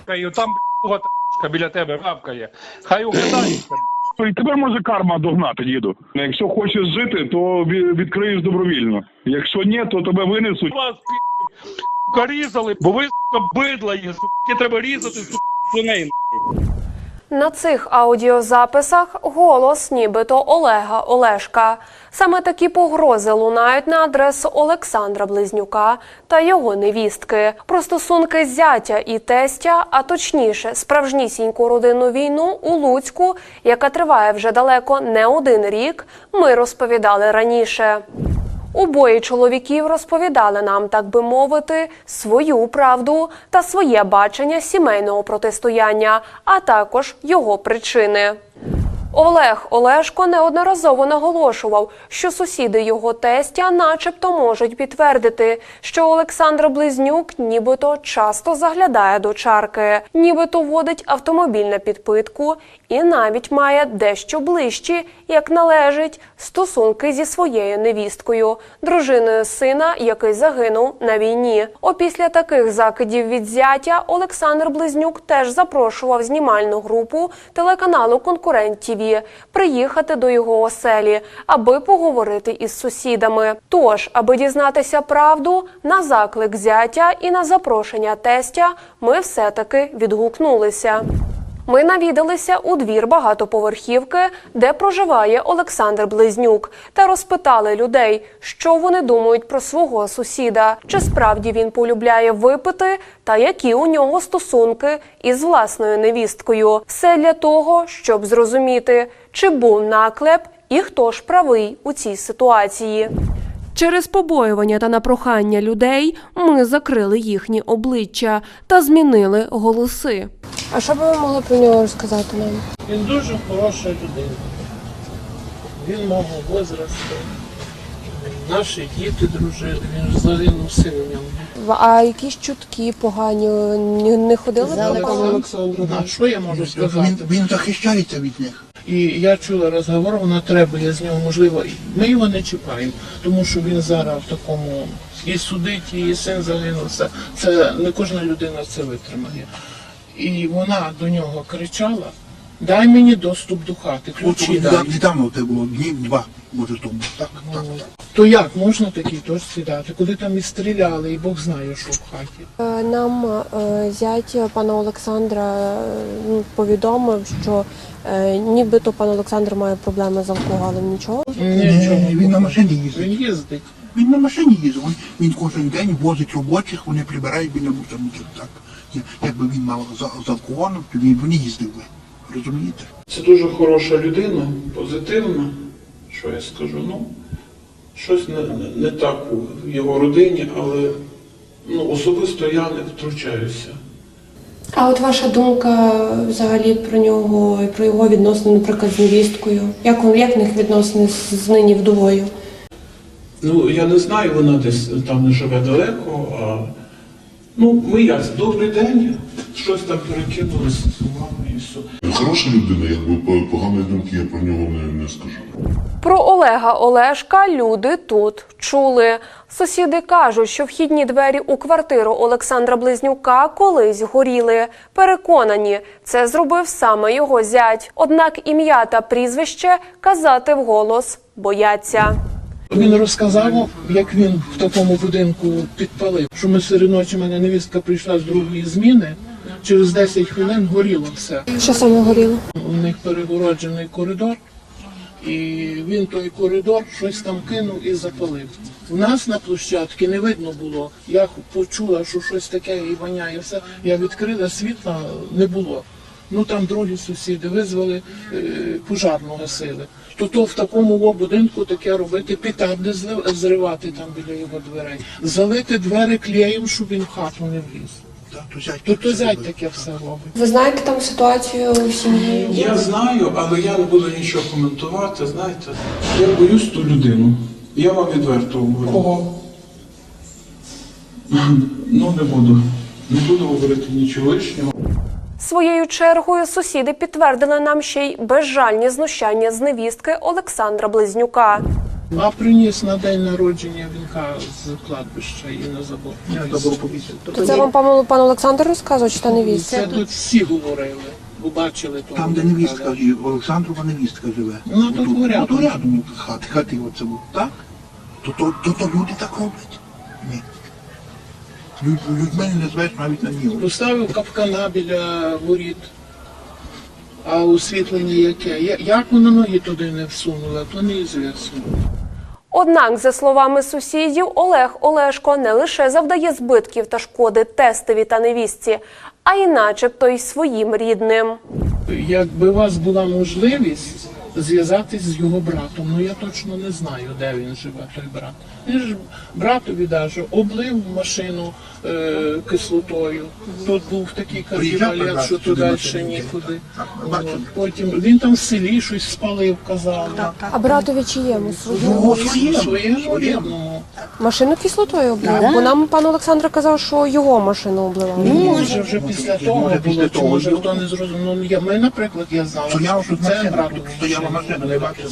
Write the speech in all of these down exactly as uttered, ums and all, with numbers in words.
і там та біля тебе гавкає. Хай угадається. І тебе може карма догнати, діду. Якщо хочеш жити, то відкриєш добровільно. Якщо ні, то тебе винесуть. Вас пі***ка різали, бо ви сука бидла є, сука, треба різати сука свиней. На цих аудіозаписах голос нібито Олега Олешка. Саме такі погрози лунають на адресу Олександра Близнюка та його невістки. Про стосунки зятя і тестя, а точніше справжнісіньку родинну війну у Луцьку, яка триває вже далеко не один рік, ми розповідали раніше. Обоє чоловіків розповідали нам, так би мовити, свою правду та своє бачення сімейного протистояння, а також його причини. Олег Олешко неодноразово наголошував, що сусіди його тестя начебто можуть підтвердити, що Олександр Близнюк нібито часто заглядає до чарки, нібито водить автомобіль на підпитку і навіть має дещо ближчі, як належить, стосунки зі своєю невісткою, дружиною сина, який загинув на війні. Опісля таких закидів від зятя Олександр Близнюк теж запрошував знімальну групу телеканалу «Конкурент ТІВІ» приїхати до його оселі, аби поговорити із сусідами. Тож, аби дізнатися правду, на заклик зятя і на запрошення тестя ми все-таки відгукнулися. Ми навідалися у двір багатоповерхівки, де проживає Олександр Близнюк, та розпитали людей, що вони думають про свого сусіда, чи справді він полюбляє випити, та які у нього стосунки із власною невісткою. Все для того, щоб зрозуміти, чи був наклеп і хто ж правий у цій ситуації. Через побоювання та на прохання людей ми закрили їхні обличчя та змінили голоси. А що б ви могли про нього розказати нам? Він дуже хороша людина. Він мого возрасту. Наші діти дружили, він загинув син у ньому. А якісь чутки погані не ходили За про пана Олександра, а що я можу сказати? Він, він захищається від них. І я чула розговор, вона треба, я з нього, можливо, ми його не чіпаємо, тому що він зараз в такому і судить, і син загинувся. Це не кожна людина це витримає. І вона до нього кричала: дай мені доступ до хати, ключі дай. Недавно це було, днів два, може тому. Так, так, так. То як можна такий теж сідати, коли там і стріляли, і Бог знає, що в хаті. Нам е, зять пана Олександра е, повідомив, що е, нібито пан Олександр має проблеми з алкоголем. Нічого? Нічого. Ні, він на машині їздить. Він їздить. Він на машині їздить. Він, він кожен день возить робочих, вони прибирають біля мусорників. Так. Якби він мав з, з алкоголем, то він б не їздив би. Розумієте? Це дуже хороша людина, позитивна. Що я скажу? Ну, щось не, не так у його родині, але ну, особисто я не втручаюся. А от ваша думка взагалі про нього і про його відносини, наприклад, з невісткою? Як, як в них відносини з, з нині вдовою? Ну, я не знаю, вона десь там не живе далеко, а ну, ми як, добрий день, щось там перекинулося з вами і все. Хороша людина, якби поганої думки я про нього не, не скажу. Про Олега Олешка люди тут чули. Сусіди кажуть, що вхідні двері у квартиру Олександра Близнюка колись горіли. Переконані, це зробив саме його зять. Однак ім'я та прізвище казати вголос бояться. Він розказав, як він в такому будинку підпалив, що ми серед ночі, мене невістка прийшла з другої зміни, через десять хвилин горіло все. Що саме горіло? У них перегороджений коридор, і він той коридор щось там кинув і запалив. У нас на площадці не видно було. Я почула, що щось таке і воняє все. Я відкрила, світла не було. Ну там другі сусіди визвали, е, пожарну гасили. То то в такому будинку таке робити, петарди зривати там біля його дверей, залити двері клеєм, щоб він в хату не вліз. Так, то зять, То то зять таке все робить. Ви знаєте там ситуацію в сім'ї? Я знаю, але я не буду нічого коментувати, знаєте. Я боюсь ту людину. Я вам відверто говорю. Кого? Ну не буду. Не буду говорити нічого лишнього. Своєю чергою сусіди підтвердили нам ще й безжальні знущання з невістки Олександра Близнюка. А приніс на день народження вінка з кладбища і на забор. Я забув повісити. То це вам пан, пан Олександр розказував, чи та невістка? Це тут всі говорили, бо бачили того. Там, де вінка, невістка, да. живе, Олександрова невістка живе. Ну, тут Отут, рядом. отут рядом хати, хати оце був. Так? То, то, то, то люди так роблять? Ні. Люд, людьми не назвеш навіть на нього. Поставив капкана біля воріт. А освітлення яке? Я- Як вона ноги туди не всунула, то неізвісно. Однак, за словами сусідів, Олег Олешко не лише завдає збитків та шкоди тестові та невістці, а й начебто й своїм рідним. Якби у вас була можливість зв'язатись з його братом, ну я точно не знаю, де він живе, той брат. Він ж братові даже облив машину е, кислотою. Тут був такий Приїжджав кардіолет, брат що сюди туди на ще цей нікуди. день. Так, От. бачили. Потім він там в селі щось спалив, казав. А братові чиєму? Його Своєму, своєму. своєму рідному. Машину кислотою облив? Бо нам пан Олександр казав, що його машину обливали. Ну, може, вже після того Може, було, після чи того може було. хто не зрозумів. Ну, я, ми, наприклад, я знала, Стояла що тут це машина, брату тут стояла машина, не бачила.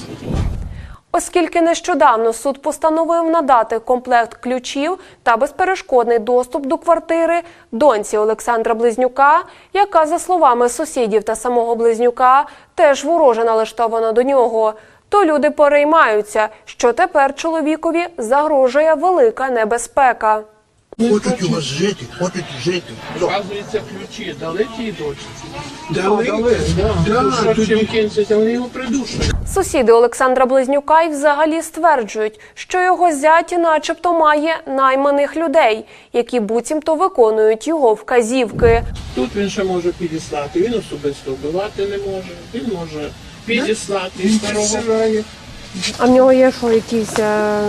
Оскільки нещодавно суд постановив надати комплект ключів та безперешкодний доступ до квартири доньці Олександра Близнюка, яка, за словами сусідів та самого Близнюка, теж вороже налаштована до нього, то люди переймаються, що тепер чоловікові загрожує велика небезпека. Хочуть у вас жити, хочуть жити. Вказується, ключі дали тій дочці. Дали, дали. Да, Да, що тоді- чим кінчиться, вони його придушать. Сусіди Олександра Близнюка й взагалі стверджують, що його зять начебто має найманих людей, які буцімто виконують його вказівки. Тут він ще може підіслати, він особисто вбивати не може, він може підіслати Він старого. підсирає. А в нього є що, якісь е,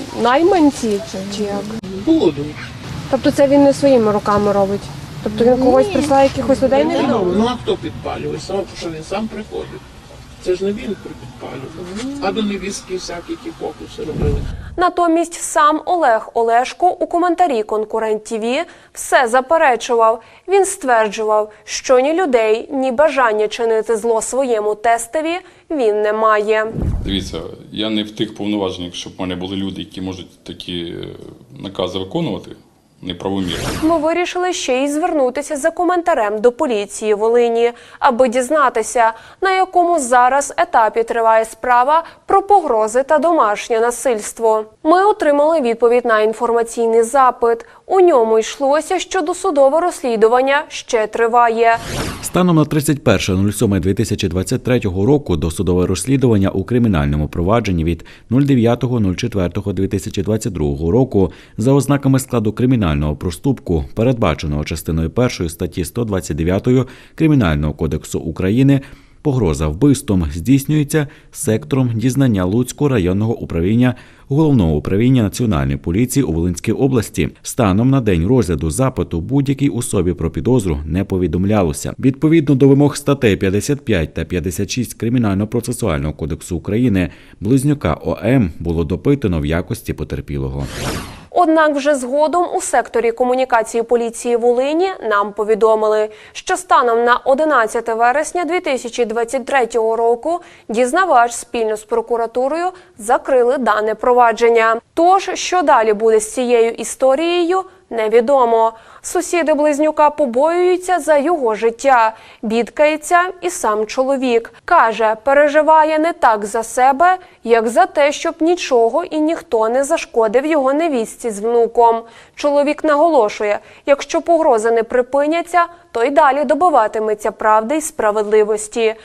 найманці чи, чи як? Будуть. Тобто це він не своїми руками робить? Тобто він когось прислав якихось людей Ну, невідомих? ну а хто підпалює? Сам, що він сам приходить. Це ж не він підпалював. А до невістки всякі ті фокуси робили. Натомість сам Олег Олешко у коментарі «Конкурент ТІВІ» все заперечував. Він стверджував, що ні людей, ні бажання чинити зло своєму тестові він не має. Дивіться, я не в тих повноваженнях, щоб в мене були люди, які можуть такі е, накази виконувати неправомірно. Ми вирішили ще й звернутися за коментарем до поліції Волині, аби дізнатися, на якому зараз етапі триває справа про погрози та домашнє насильство. Ми отримали відповідь на інформаційний запит. У ньому йшлося, що досудове розслідування ще триває. Станом на тридцять перше сьоме дві тисячі двадцять третього року досудове розслідування у кримінальному провадженні від дев'ятого четвертого дві тисячі двадцять другого року за ознаками складу кримінального проступку, передбаченого частиною першої статті сто двадцять дев'ять Кримінального кодексу України, погроза вбивством здійснюється сектором дізнання Луцького районного управління Головного управління Національної поліції у Волинській області. Станом на день розгляду запиту будь-якій особі про підозру не повідомлялося. Відповідно до вимог статей п'ятдесят п'ять та п'ятдесят шість Кримінально-процесуального кодексу України, Близнюка О.М. було допитано в якості потерпілого. Однак вже згодом у секторі комунікації поліції Волині нам повідомили, що станом на одинадцяте вересня дві тисячі двадцять третього року дізнавач спільно з прокуратурою закрили дане провадження. Тож, що далі буде з цією історією, невідомо. Сусіди Близнюка побоюються за його життя. Бідкається і сам чоловік. Каже, переживає не так за себе, як за те, щоб нічого і ніхто не зашкодив його невістці з внуком. Чоловік наголошує, якщо погрози не припиняться, то й далі добиватиметься правди й справедливості.